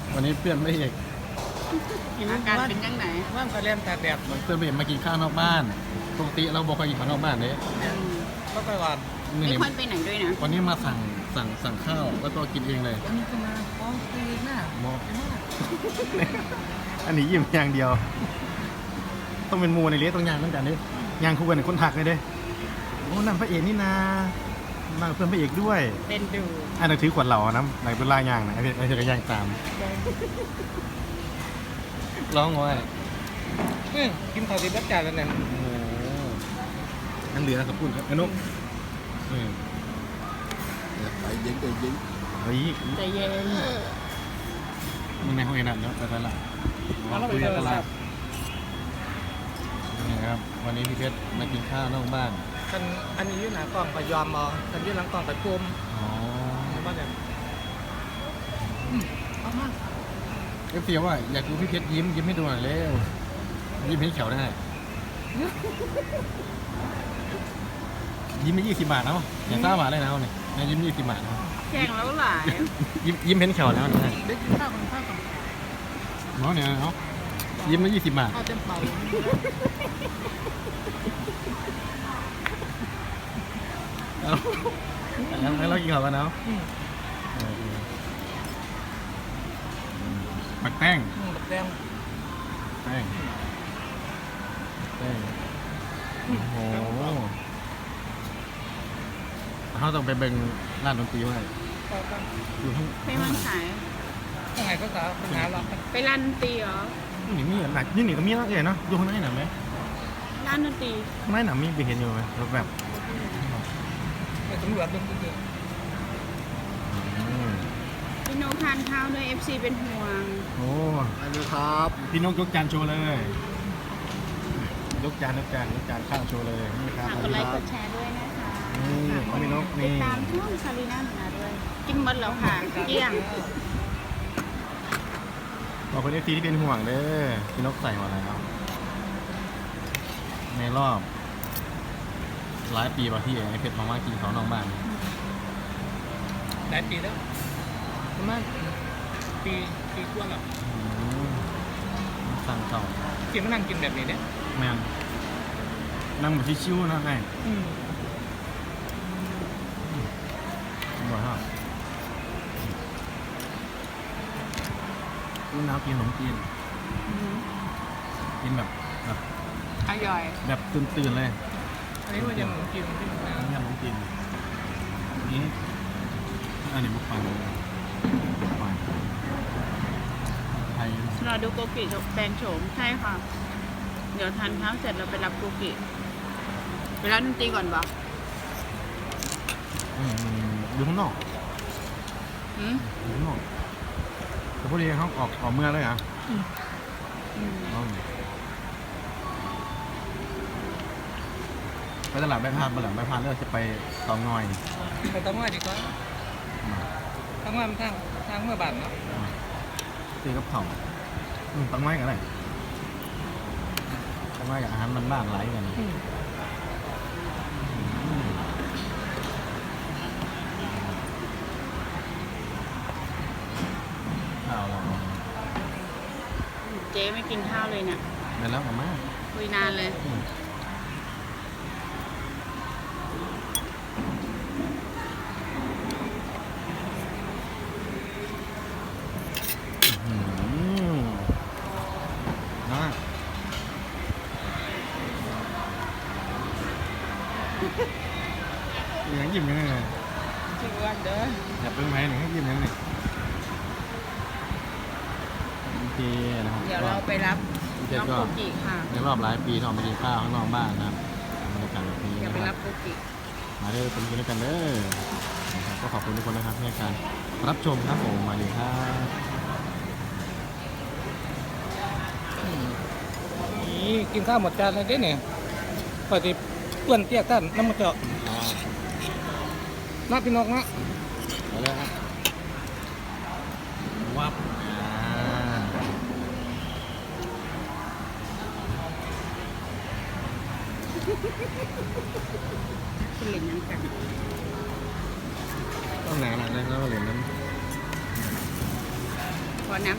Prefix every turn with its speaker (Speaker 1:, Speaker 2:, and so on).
Speaker 1: วันนี้เพื่อนไม่เอก
Speaker 2: อาการเป็นยังไง
Speaker 3: ว่างก็เล่นตากแดด
Speaker 1: เพื่อนไม่เอกมากินข้าวนอกบ้านปกติเราบอกไปกินข้าวนอกบ้านเนี่ย
Speaker 3: ก็ไปวัน
Speaker 2: ไม่
Speaker 1: นี่
Speaker 2: ค่อยไปไหนด้วยนะ
Speaker 1: วันนี้มาสั่งข้าวแล้วก็กินเองเลย
Speaker 3: วันนี้ก็มาฟ้องตีหน้า
Speaker 1: หมออันนี้ยิ้มอย่างเดียว ต้องเป็นมูในเลี้ยต้องยางเหมือนกันดิยางคู่กันในคนถักเลยเด้โอ้นั่นพระเอกนี่นามาเพื่อนพระเอกด้วย
Speaker 2: เป็นดู
Speaker 1: อันนั้นถือขวดเหล่านะไหนเป็นลายยางนะไอ้เธอก็ยางตามร้องไว้
Speaker 3: กินข้าวติดรับจ่ายแล้วเนี่ย
Speaker 1: โอ้โหอันเหลือขอบคุณครับไอ้นุ๊ก
Speaker 4: ไปยิงไปยิง
Speaker 1: เฮ้ย
Speaker 2: ใจเย็น
Speaker 1: มึงในห้องเอ็นนั่นเนาะไปละคุยกันตลาดนี่ครับวันนี้พี่เพชรมากินข้าวนอกบ้าน
Speaker 3: กันอันนี้ยืนหน้ากล้องไปยอมมองกันยืนหลังกล้องไปปุ่ม
Speaker 1: อ๋อ
Speaker 3: ว่าเนี่ยเอามา
Speaker 1: เอฟซีว่าอยากดูพี่เพชรยิ้มให้ดูหน่อยเร็วยิ้มให้เขียวได้ยิ้มไม่20 บาทเนาะอย่าซ่าบาทเลยนะเนี่ยยิ้ม20 บาทนะ
Speaker 2: แข่งแล้วหลาย
Speaker 1: ยิ้มเห็นเขียวแล้วนะ
Speaker 3: ได้กินข้าวกันข้าวกัน
Speaker 1: เนาะเนี่ยเนาะยิ้มมา20 บาท
Speaker 3: ข้าวเต็มเป่า
Speaker 1: เอาแล้วเรากินข้าวกันเนาะปักแป้ง
Speaker 3: แบบแดง
Speaker 1: แป้งโอ้โหเขาต้องไปเบิ่งร้านดนตรีไว้
Speaker 3: ต่อกัน
Speaker 1: อยู่ข้าง
Speaker 2: ไปมันขาย
Speaker 3: ยังไงก็สาวปัญหาหรอก
Speaker 2: ไปร้านดนตรีเหรอ
Speaker 1: นี่มีหนักนี่ก็มีแล้วเนาะอยู่ข้างในหนาไหม
Speaker 2: ร้านดนตรี
Speaker 1: ข้างในหนามีไปเห็นอยู่ไหมแบบ
Speaker 3: ไปสำรวจดูจริง
Speaker 2: พี่โนทานข้าวด้วย FC เป็นห่วง
Speaker 1: โอ้
Speaker 4: ไปเลยครับ
Speaker 1: พี่นกยกจานโชว์เลย ยกจานข้าวโชว์เลยนี่ครับ
Speaker 2: ฝากกดไลค์กดแชร์ด้วยนะคะ
Speaker 1: นี่ของพี่นก
Speaker 2: ติ
Speaker 1: นี่
Speaker 2: ดตามช่องซารีน่าหนูนาด้วย กินหมดแล้วค่ะเกลี้ยง
Speaker 1: บอกคนเอฟซีที่เป็นห่วงเด้อพี่นกใส่มาแล้วในรอบหลายปีป่ะที่ไอเพชรมากินเขานอกบ้าน
Speaker 3: ๆหลายปีแล้วประมาณปีกว่าแล้ว
Speaker 1: สั่งเขา
Speaker 3: กินมานั่งกินแบบนี้เนี่ย
Speaker 1: แม่งนั่งแบบชิวๆนะไงบ่อยฮะลูกน้ำกินขนมจีนกินแบบ
Speaker 2: อร่อย
Speaker 1: แบบตื่นๆเลย
Speaker 3: อันนี้ว่ายังกินที่มัน
Speaker 1: อันนี้ขนมจีนนี่อันนี้บุกปันบุกปันไทย
Speaker 2: รอดูโกกิแปลงโฉมใช่ค่ะ เดี๋ยวทานข้าวเสร็จเราไปรับโกกิไปร้านดนตรีก่อนปะ
Speaker 1: อยู่ข้างนอก
Speaker 2: อืม
Speaker 1: อยู่ข้างนอกแต่พอดีเขาออกเมื่อเลยอ่ะ ไปตลาดใบพานไปหลังใบพานแล้วจะไปเตองอย
Speaker 3: ไปต้องว่าดีกว่าต้องว่ามันทางเมื่อบานเนาะ
Speaker 1: ตีกับเผาเตองอยกันเลยเตองอยกับอาหารมันบ้านหลายกันข้าวเรา
Speaker 2: เจ๊ไม่กินข้าวเลยเนี่ย
Speaker 1: ได้แล้วกับมา
Speaker 2: คุยนานเลย
Speaker 1: นะยังยิ้มยังไง
Speaker 2: ชิวกันเด้อ
Speaker 1: อย่าเพิ่งไปหนึ่งยิ้มยังไงโอเคนะครับ
Speaker 2: เดี๋ยวเราไปรับน้องโกกิค่ะ
Speaker 1: ในรอบหลายปีที่ออกมากินข้าวข้างนอกบ้านนะครับบรรยากาศแบบนี้
Speaker 2: เดี๋ยว
Speaker 1: นะ
Speaker 2: ไป
Speaker 1: ค
Speaker 2: รั
Speaker 1: รั
Speaker 2: บบ โกกิ
Speaker 1: มาเด้อเป็นกันด้วยกันเด้อนะครับก็ขอบคุณทุกคนนะครับที่ให้การรับชมครับผมมาดีครับ
Speaker 3: นี่กินข้าวหมดจานเลยเด้เนี่ยปกติเปื่อนเตี้ยท่านน้ำมันเจาะน้าพี่นกนะ
Speaker 1: เอาเลยครับวับ
Speaker 2: คุณเหรียญยังกัน
Speaker 1: ต้องหนาหน่อยนะแล้วเหรียญนั้น
Speaker 2: พอน้ำ